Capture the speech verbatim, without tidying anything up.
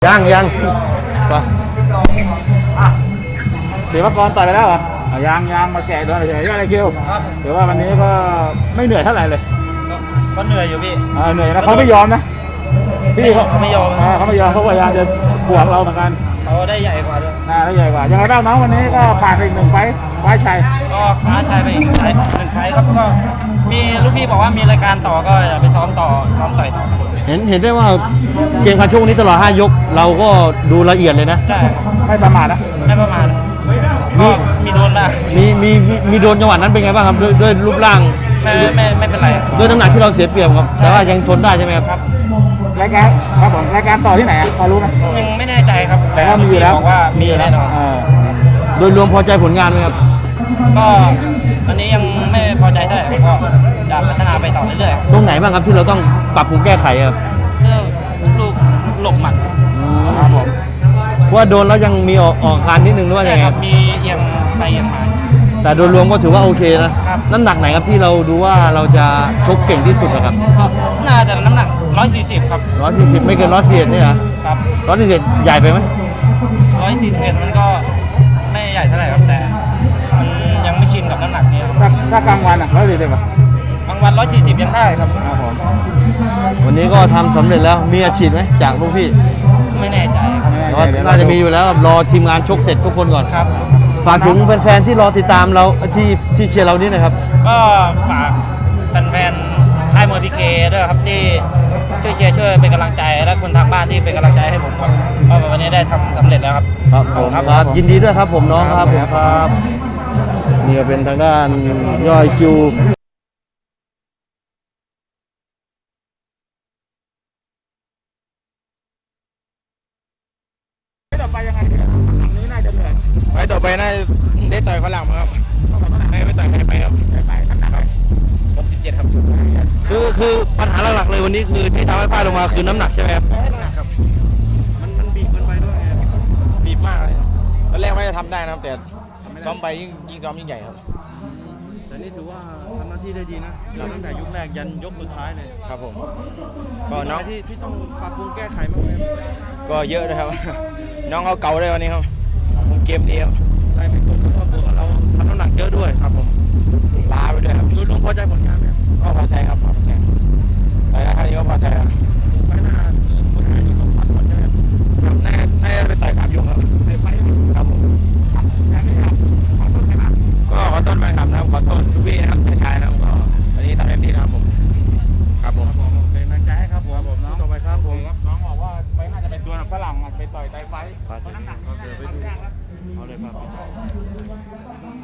ยังยังศิวกรต่อยไปแล้วเหรอยังยังมาแกะด้วยเฉยๆอะไรคิวถือว่าวันนี้ก็ไม่เหนื่อยเท่าไหร่เลยก็เหนื่อยอยู่พี่เหนื่อยนะเขาไม่ยอมนะพี่เขาไม่ยอมเขาไม่ยอมเขาพยายามจะบวกเราเหมือนกันเขาได้ใหญ่กว่าด้วยได้ใหญ่กว่ายังไงบ้างน้องวันนี้ก็ผ่านไปอีกหนึ่งไฟไฟชัยก็คว้าชัยไปอีกหนึ่งไฟครับก็มีลูกพี่บอกว่ามีรายการต่อก็อย่าไปซ้อมต่อซ้อมต่อยต่อเห็นเห็นได้ว่าเกมการชกนี้ตลอดห้ายกเราก็ดูละเอียดเลยนะใช่ไม่ประมาทนะไม่ประมาทมีมีโดนบ้างมีมีมีโดนจังหวะนั้นเป็นไงบ้างครับด้วยด้วยรูปร่างไม่ไม่ไม่เป็นไรด้วยน้ำหนักที่เราเสียเปรียบครับแต่ว่ายังทนได้ใช่ไหมครับครับรายการครับผมรายการต่อที่ไหนพอรู้ไหมยังไม่แน่ใจครับแต่ว่ามีอยู่แล้วบอกว่ามีแน่นอนโดยรวมพอใจผลงานไหมครับก็อันนี้ยังไม่พอใจเท่าไหร่ก็จะพัฒนาไปต่อเรื่อยๆตรงไหนบ้างครับที่เราต้องปรับปรุงแก้ไขครับเรื่องลูกหลบหมัดครับผมเพราะว่าโดนแล้วยังมีออกออกการนิดนึงด้วยไงครับมีเอียงไปเอียงมาแต่โดยรวมก็ถือว่าโอเคนะน้ำหนักไหนครับที่เราดูว่าเราจะชกเก่งที่สุดนะครับน่าจะน้ำหนักหนึ่งร้อยสี่สิบครับหนึ่งร้อยสี่สิบไม่เกินหนึ่งร้อยสี่สิบเนี่ยครับหนึ่งร้อยสี่สิบใหญ่ไปไหมหนึ่งร้อยสี่สิบเอ็ดมันก็ไม่ใหญ่เท่าไหร่ครับแต่มันยังไม่ชินกับน้ำหนักนี้ถ้าถ้ากลางวันอ่ะร้อยสี่สิบอ่ะกลางวันร้อยสี่สิบยังได้ครับครับผมวันนี้ก็ทำสำเร็จแล้วมีอาชีพไหมจากลูกพี่ไม่แน่ใจครับน่าจะมีอยู่แล้วรอทีมงานชกเสร็จทุกคนก่อนครับฝากถึงแฟนๆที่รอติดตามเราที่ที่เชียร์เรานี่นะครับก็ฝากแฟนๆค่ายมวยพีเคด้วยครับที่ช่วยเชียร์ช่วยเป็นกำลังใจและคนทางบ้านที่เป็นกำลังใจให้ผมครับเพราะวันนี้ได้ทำสำเร็จแล้วครับครับผมครับยินดีด้วยครับผมน้องครับผมครับนี่ก็เป็นทางด้านย่อยคิวไปยังไงนี้น่าจะเหนื่อยไปต่อไปน่าได้ต่อยฝรั่งครับไม่ไม่ต่อยใครไปครับไปขนาดครับหกสิบเจ็ดครับคือคือปัญหาหลักๆเลยวันนี้คือที่ทำให้พลาดลงมาคือน้ำหนักใช่ไหมครับน้ำหนักครับมันมันบีบมันไปด้วยบีบมากเลยตอนแรกไม่ได้ทำได้นะครับแต่ซ้อมไปยิ่งยิ่งซ้อมยิ่งใหญ่ครับแต่นี่ถือว่าทำหน้าที่ได้ดีนะตั้งแต่ยกแรกยันยกสุดท้ายเลยครับผมก็น้องที่ที่ต้องปรับปรุงแก้ไขมากเลยก็เยอะนะครับน้องเขาเก่าได้วันนี้ครับผมเกมดีครับได้ไม่กดแล้วก็บวกเราทำน้ำหนักเยอะด้วยครับผมลาไปด้วยครับโดยรวมพอใจผลงานไหมก็พอใจครับพอใจไปแล้วท่านี้ก็พอใจครับไปหน้าคนหายอยู่ตรงปัดก่อนใช่ไหมครับแน่แน่ไปต่อยสามยกครับไปครับผมก็ขอต้นไปครับนะครับขอต้นพี่นะครับชายชายนะครับก็อันนี้ทำเต็มที่นะครับผมครับผมเป็นกำลังใจให้ครับผมผมน้องต่อไปครับผมน้องบอกว่าไปน่าจะเป็นตัวฝรั่งไปต่อยไต้ไฟเพราะน้ำหนักเอาเลยครับ